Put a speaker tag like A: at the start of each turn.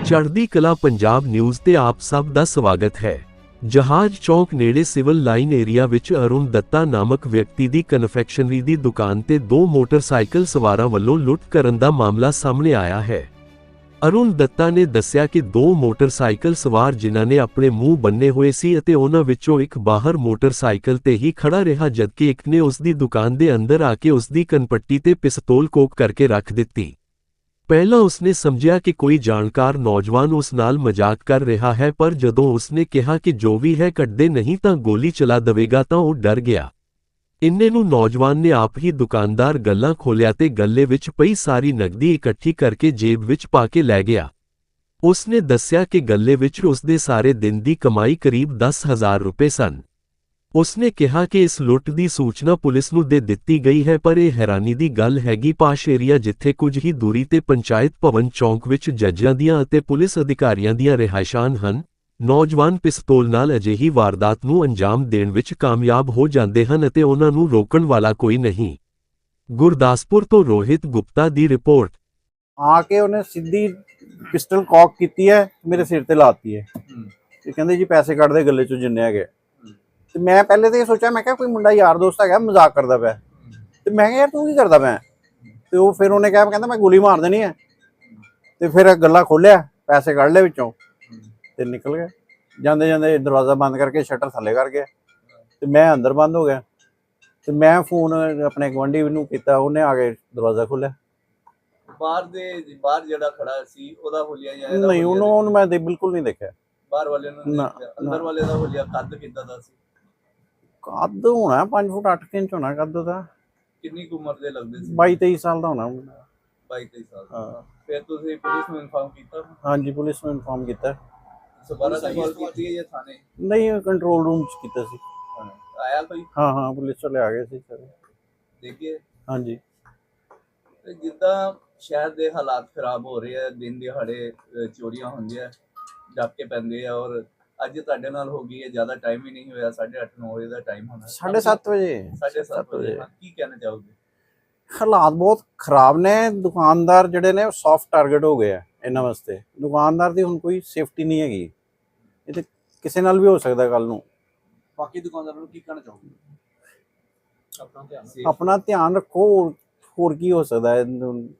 A: ਚੜ੍ਹਦੀ ਕਲਾ ਪੰਜਾਬ ਨਿਊਜ਼ ਤੇ ਆਪ ਸਭ ਦਾ ਸਵਾਗਤ ਹੈ। ਜਹਾਜ਼ ਚੌਕ ਨੇੜੇ ਸਿਵਲ ਲਾਈਨ ਏਰੀਆ ਵਿੱਚ ਅਰੁਣ ਦੱਤਾ ਨਾਮਕ ਵਿਅਕਤੀ ਦੀ ਕਨਫੈਕਸ਼ਨਰੀ ਦੀ ਦੁਕਾਨ ਤੇ ਦੋ ਮੋਟਰਸਾਈਕਲ ਸਵਾਰਾਂ ਵੱਲੋਂ ਲੁੱਟ ਕਰਨ ਦਾ ਮਾਮਲਾ ਸਾਹਮਣੇ ਆਇਆ ਹੈ। ਅਰੁਣ ਦੱਤਾ ਨੇ ਦੱਸਿਆ ਕਿ ਦੋ ਮੋਟਰਸਾਈਕਲ ਸਵਾਰ ਜਿਨ੍ਹਾਂ ਨੇ ਆਪਣੇ ਮੂੰਹ ਬੰਨੇ ਹੋਏ ਸੀ ਅਤੇ ਉਹਨਾਂ ਵਿੱਚੋਂ ਇੱਕ ਬਾਹਰ ਮੋਟਰਸਾਈਕਲ ਤੇ ਹੀ ਖੜਾ ਰਿਹਾ ਜਦਕਿ ਇੱਕ ਨੇ ਉਸ ਦੀ ਦੁਕਾਨ ਦੇ ਅੰਦਰ ਆ ਕੇ ਉਸ ਦੀ ਕਨਪੱਟੀ ਤੇ ਪਿਸਤੌਲ ਕੋਕ ਕਰਕੇ ਰੱਖ ਦਿੱਤੀ। ਪਹਿਲਾਂ ਉਸਨੇ ਸਮਝਿਆ ਕਿ ਕੋਈ ਜਾਣਕਾਰ ਨੌਜਵਾਨ ਉਸ ਨਾਲ ਮਜ਼ਾਕ ਕਰ ਰਿਹਾ ਹੈ, ਪਰ ਜਦੋਂ ਉਸਨੇ ਕਿਹਾ ਕਿ ਜੋ ਵੀ ਹੈ ਕੱਢਦੇ ਨਹੀਂ ਤਾਂ ਗੋਲੀ ਚਲਾ ਦੇਵੇਗਾ ਤਾਂ ਉਹ ਡਰ ਗਿਆ। ਇੰਨੇ ਨੂੰ ਨੌਜਵਾਨ ਨੇ ਆਪ ਹੀ ਦੁਕਾਨਦਾਰ ਗੱਲਾਂ ਖੋਲ੍ਹਿਆ ਤੇ ਗੱਲੇ ਵਿੱਚ ਪਈ ਸਾਰੀ ਨਕਦੀ ਇਕੱਠੀ ਕਰਕੇ ਜੇਬ ਵਿੱਚ ਪਾ ਕੇ ਲੈ ਗਿਆ। ਉਸਨੇ ਦੱਸਿਆ ਕਿ ਗੱਲੇ ਵਿੱਚ ਉਸਦੇ ਸਾਰੇ ਦਿਨ ਦੀ ਕਮਾਈ ਕਰੀਬ 10,000 ਰੁਪਏ ਸਨ। ਉਸਨੇ ਕਿਹਾ ਕਿ ਇਸ ਲੁੱਟ ਦੀ ਸੂਚਨਾ ਪੁਲਿਸ ਨੂੰ ਦੇ ਦਿੱਤੀ ਗਈ ਹੈ, ਪਰ ਇਹ ਹੈਰਾਨੀ ਦੀ ਗੱਲ ਹੈਗੀ ਪਾਸ਼ ਏਰੀਆ ਜਿੱਥੇ ਕੁਝ ਹੀ ਦੂਰੀ ਤੇ ਪੰਚਾਇਤ ਭਵਨ ਚੌਂਕ ਵਿੱਚ ਜੱਜਾਂ ਦੀਆਂ ਅਤੇ ਪੁਲਿਸ ਅਧਿਕਾਰੀਆਂ ਦੀਆਂ ਰਿਹਾਇਸ਼ਾਂ ਹਨ, ਨੌਜਵਾਨ ਪਿਸਤੌਲ ਨਾਲ ਅਜਿਹੀ ਵਾਰਦਾਤ ਨੂੰ ਅੰਜਾਮ ਦੇਣ ਵਿੱਚ ਕਾਮਯਾਬ ਹੋ ਜਾਂਦੇ ਹਨ ਅਤੇ ਉਹਨਾਂ ਨੂੰ ਰੋਕਣ ਵਾਲਾ ਕੋਈ ਨਹੀਂ। ਗੁਰਦਾਸਪੁਰ ਤੋਂ ਰੋਹਿਤ ਗੁਪਤਾ ਦੀ ਰਿਪੋਰਟ।
B: ਆ ਕੇ ਉਹਨੇ ਸਿੱਧੀ ਪਿਸਟਲ ਕੌਕ ਕੀਤੀ ਹੈ, ਮੇਰੇ ਸਿਰ ਤੇ ਲਾਤੀ ਹੈ ਤੇ ਕਹਿੰਦੇ ਜੀ ਪੈਸੇ ਕੱਢ ਦੇ ਗੱਲੇ ਚੋਂ ਜਿੰਨੇ ਹੈਗੇ। ਤੇ ਮੈਂ ਪਹਿਲੇ ਤਾਂ ਇਹ ਸੋਚਿਆ, ਮੈਂ ਕਿਹਾ ਕੋਈ ਮੁੰਡਾ ਯਾਰ ਦੋਸਤ ਹੈਗਾ ਮਜ਼ਾਕ ਕਰਦਾ ਪਿਆ, ਤੇ ਮੈਂ ਕਿਹਾ ਯਾਰ ਤੂੰ ਕੀ ਕਰਦਾ ਪਿਆ। ਤੇ ਉਹ ਫਿਰ ਉਹਨੇ ਕਿਹਾ, ਕਹਿੰਦਾ ਮੈਂ ਗੋਲੀ ਮਾਰ ਦੇਣੀ ਹੈ। ਤੇ ਫਿਰ ਗੱਲਾ ਖੋਲਿਆ, ਪੈਸੇ ਕੱਢ ਲਏ ਵਿੱਚੋਂ ਤੇ ਨਿਕਲ ਗਿਆ। ਜਾਂਦੇ ਜਾਂਦੇ ਦਰਵਾਜ਼ਾ ਬੰਦ ਕਰਕੇ ਸ਼ਟਰ ਥੱਲੇ ਕਰ ਗਿਆ ਤੇ ਮੈਂ ਅੰਦਰ ਬੰਦ ਹੋ ਗਿਆ। ਤੇ ਮੈਂ ਫੋਨ ਆਪਣੇ ਗੁਆਂਢੀ ਨੂੰ ਕੀਤਾ, ਉਹਨੇ ਆ ਕੇ ਦਰਵਾਜ਼ਾ ਖੋਲਿਆ।
C: ਬਾਹਰ ਜਿਹੜਾ ਖੜਾ ਸੀ ਉਹਦਾ ਹੋਲੀਆ ਜਾਂ
B: ਨਹੀਂ, ਉਹਨੂੰ ਮੈਂ ਬਿਲਕੁਲ ਨਹੀਂ ਦੇਖਿਆ।
C: ਬਾਹਰ ਵਾਲੇ ਨੂੰ ਅੰਦਰ ਵਾਲੇ ਦਾ ਹੋਲੀਆ ਕੱਦ ਕਿੱਦਾਂ ਦਾ ਸੀ?
B: ਕੱਦ ਹੋਣਾ 5 ਫੁੱਟ 8 ਇੰਚ ਹੋਣਾ ਕੱਦ ਦਾ।
C: ਕਿੰਨੀ ਕੁ ਉਮਰ ਦੇ ਲੱਗਦੇ ਸੀ?
B: 22-23 ਸਾਲ ਦਾ ਹੋਣਾ।
C: 22-23 ਸਾਲ। ਹਾਂ। ਫਿਰ ਤੁਸੀਂ ਪੁਲਿਸ ਨੂੰ ਇਨਫਾਰਮ ਕੀਤਾ?
B: ਹਾਂਜੀ, ਪੁਲਿਸ ਨੂੰ ਇਨਫਾਰਮ ਕੀਤਾ।
C: ਦੁਬਾਰਾ ਕਾਲ ਕੀਤੀ ਹੈ ਜਾਂ ਥਾਣੇ?
B: ਨਹੀਂ, ਕੰਟਰੋਲ ਰੂਮ ਚ ਕੀਤਾ ਸੀ।
C: ਆਇਆ ਕੋਈ?
B: ਹਾਂ, ਪੁਲਿਸ ਵਾਲੇ ਆ ਗਏ ਸੀ ਸਰ।
C: ਦੇਖੀਏ।
B: ਹਾਂਜੀ।
C: ਤੇ ਜਿੱਦਾਂ ਸ਼ਹਿਰ ਦੇ ਹਾਲਾਤ ਖਰਾਬ ਹੋ ਰਹੇ ਆ, ਦਿਨ ਦਿਹਾੜੇ ਚੋਰੀਆਂ ਹੁੰਦੀਆਂ, ਡਾਕੇ ਪੈਂਦੇ ਆ, ਔਰ ਅੱਜ ਤੁਹਾਡੇ ਨਾਲ ਹੋ ਗਈ ਹੈ, ਜ਼ਿਆਦਾ ਟਾਈਮ ਹੀ ਨਹੀਂ ਹੋਇਆ, 8:30-9 ਵਜੇ ਦਾ ਟਾਈਮ ਹੋਣਾ।
B: 7:30 ਵਜੇ।
C: 7:30 ਵਜੇ। ਕੀ ਕਹਿਣਾ ਚਾਹੋਗੇ?
B: ਹਾਲਾਤ ਬਹੁਤ ਖਰਾਬ ਨੇ। ਦੁਕਾਨਦਾਰ ਜਿਹੜੇ ਨੇ ਉਹ ਸੌਫਟ ਟਾਰਗੇਟ ਹੋ ਗਏ ਆ ਇਹਨਾਂ ਵਾਸਤੇ। ਦੁਕਾਨਦਾਰ ਦੀ ਹੁਣ ਕੋਈ ਸੇਫਟੀ ਨਹੀਂ ਹੈਗੀ। ਇਹ ਤੇ ਕਿਸੇ ਨਾਲ ਵੀ ਹੋ ਸਕਦਾ ਕੱਲ ਨੂੰ।
C: ਬਾਕੀ ਦੁਕਾਨਦਾਰਾਂ ਨੂੰ ਕੀ ਕਹਿਣਾ ਚਾਹੋਗੇ?
B: ਆਪਣਾ ਧਿਆਨ ਰੱਖੋ, ਹੋਰ ਕੀ ਹੋ ਸਕਦਾ ਹੈ।